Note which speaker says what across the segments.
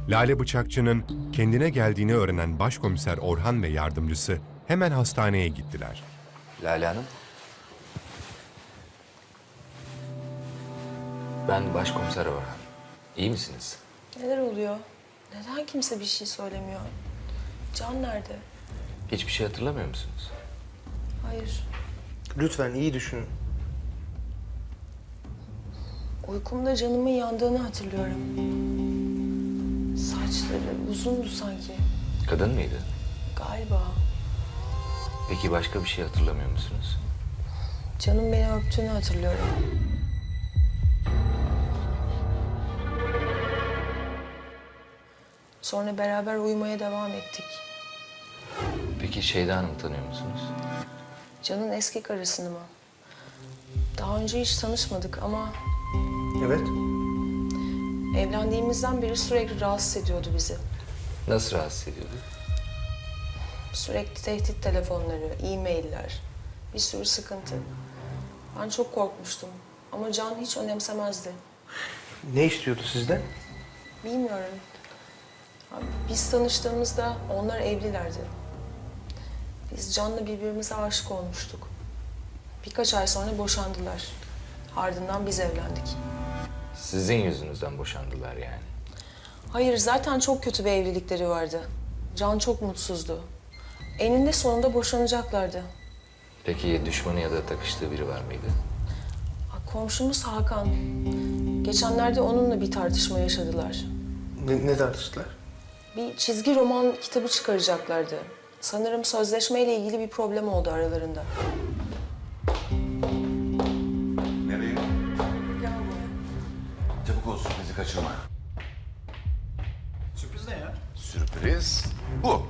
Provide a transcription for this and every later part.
Speaker 1: Lale Bıçakçı'nın kendine geldiğini öğrenen Başkomiser Orhan ve yardımcısı hemen hastaneye gittiler.
Speaker 2: Lale Hanım. Ben Başkomiser Orhan. İyi misiniz?
Speaker 3: Neler oluyor? Neden kimse bir şey söylemiyor? Can nerede?
Speaker 2: Hiçbir şey hatırlamıyor musunuz?
Speaker 3: Hayır.
Speaker 4: Lütfen iyi düşünün.
Speaker 3: Uykumda canımın yandığını hatırlıyorum. Saçları uzundu sanki.
Speaker 2: Kadın mıydı?
Speaker 3: Galiba.
Speaker 2: Peki başka bir şey hatırlamıyor musunuz?
Speaker 3: Canım beni öptüğünü hatırlıyorum. Sonra beraber uyumaya devam ettik.
Speaker 2: Peki Şeyda Hanım'ı tanıyor musunuz?
Speaker 3: Can'ın eski karısını mı? Daha önce hiç tanışmadık ama
Speaker 4: Evet.
Speaker 3: evlendiğimizden beri sürekli rahatsız ediyordu bizi.
Speaker 2: Nasıl rahatsız ediyordu?
Speaker 3: Sürekli tehdit telefonları, e-mailler, bir sürü sıkıntı. Ben çok korkmuştum ama Can hiç önemsemezdi.
Speaker 4: Ne istiyordu sizden?
Speaker 3: Bilmiyorum. Abi, biz tanıştığımızda onlar evlilerdi. Biz Can'la birbirimize aşık olmuştuk. Birkaç ay sonra boşandılar. Ardından biz evlendik.
Speaker 2: Sizin yüzünüzden boşandılar yani.
Speaker 3: Hayır, zaten çok kötü bir evlilikleri vardı. Can çok mutsuzdu. Eninde sonunda boşanacaklardı.
Speaker 2: Peki düşmanı ya da takıştığı biri var mıydı?
Speaker 3: Komşumuz Hakan. Geçenlerde onunla bir tartışma yaşadılar.
Speaker 4: Ne tartıştılar?
Speaker 3: Bir çizgi roman kitabı çıkaracaklardı. Sanırım sözleşmeyle ilgili bir problem oldu aralarında.
Speaker 5: Nereye?
Speaker 3: Gel buraya.
Speaker 5: Çabuk ol, sürprizi kaçırma.
Speaker 6: Sürpriz ne ya?
Speaker 5: Sürpriz bu.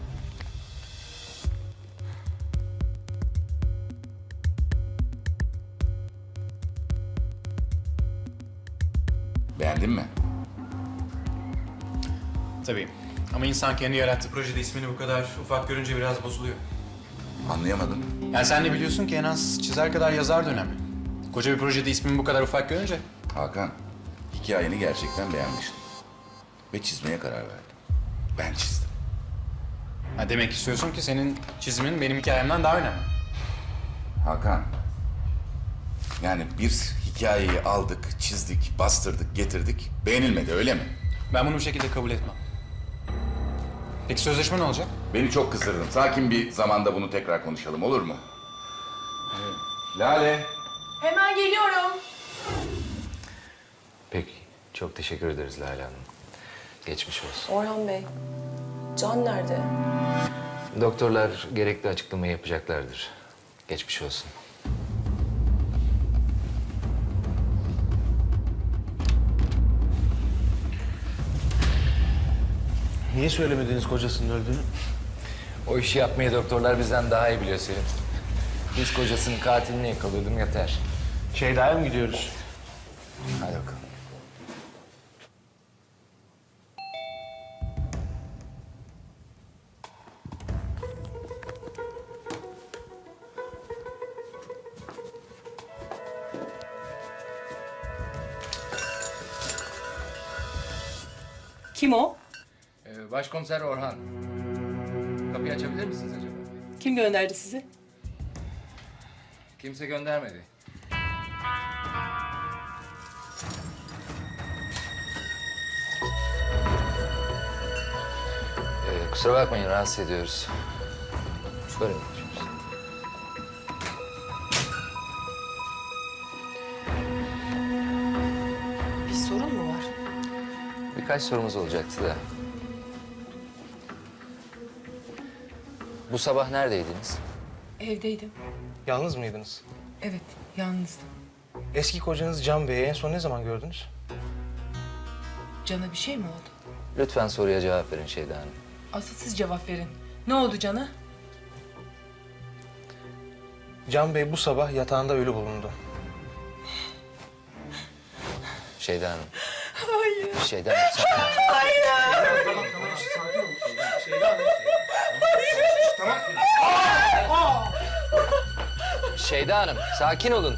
Speaker 5: Beğendin mi?
Speaker 6: Tabii. Ama insan kendi yarattığı projede ismini bu kadar ufak görünce biraz bozuluyor.
Speaker 5: Anlayamadım.
Speaker 6: Yani sen de biliyorsun ki en az çizer kadar yazar da önemli. Koca bir projede ismini bu kadar ufak görünce
Speaker 5: Hakan, hikayeni gerçekten beğenmiştim. Ve çizmeye karar verdim. Ben çizdim.
Speaker 6: ha demek istiyorsun ki senin çizimin benim hikayemden daha önemli.
Speaker 5: Hakan, yani bir hikayeyi aldık, çizdik, bastırdık, getirdik. Beğenilmedi, öyle mi?
Speaker 6: Ben bunu bu şekilde kabul etmem. Peki sözleşme ne olacak?
Speaker 5: Beni çok kızdırdın. Sakin bir zamanda bunu tekrar konuşalım, olur mu? Lale.
Speaker 3: Hemen geliyorum.
Speaker 2: Peki. Çok teşekkür ederiz Lale Hanım. Geçmiş olsun.
Speaker 3: Orhan Bey, Can nerede?
Speaker 2: Doktorlar gerekli açıklamayı yapacaklardır. Geçmiş olsun.
Speaker 4: Niye söylemediniz kocasının öldüğünü?
Speaker 2: O işi yapmayı doktorlar bizden daha iyi biliyor Selim. Biz kocasının katilini yakalıyordum yeter.
Speaker 4: Şeyda'ya mı gidiyoruz?
Speaker 2: Hadi bakalım.
Speaker 7: Kim o?
Speaker 2: Başkomiser Orhan. Kapıyı açabilir misiniz acaba?
Speaker 7: Kim gönderdi sizi?
Speaker 2: Kimse göndermedi. Kusura bakmayın, rahatsız ediyoruz. Şöyle mi yapıyoruz?
Speaker 3: Bir sorun mu var?
Speaker 2: Birkaç sorumuz olacaktı da. Bu sabah neredeydiniz?
Speaker 7: Evdeydim.
Speaker 4: Yalnız mıydınız?
Speaker 7: Evet, yalnızdım.
Speaker 4: Eski kocanız Can Bey'i en son ne zaman gördünüz?
Speaker 7: Can'a bir şey mi oldu?
Speaker 2: Lütfen soruya cevap verin Şeyda Hanım.
Speaker 7: Asıl siz cevap verin. Ne oldu Can'a?
Speaker 4: Can Bey bu sabah yatağında ölü bulundu.
Speaker 2: Şeyda Hanım. Hayır. Şeyda Hanım. Şeyda Hanım, sakin olun.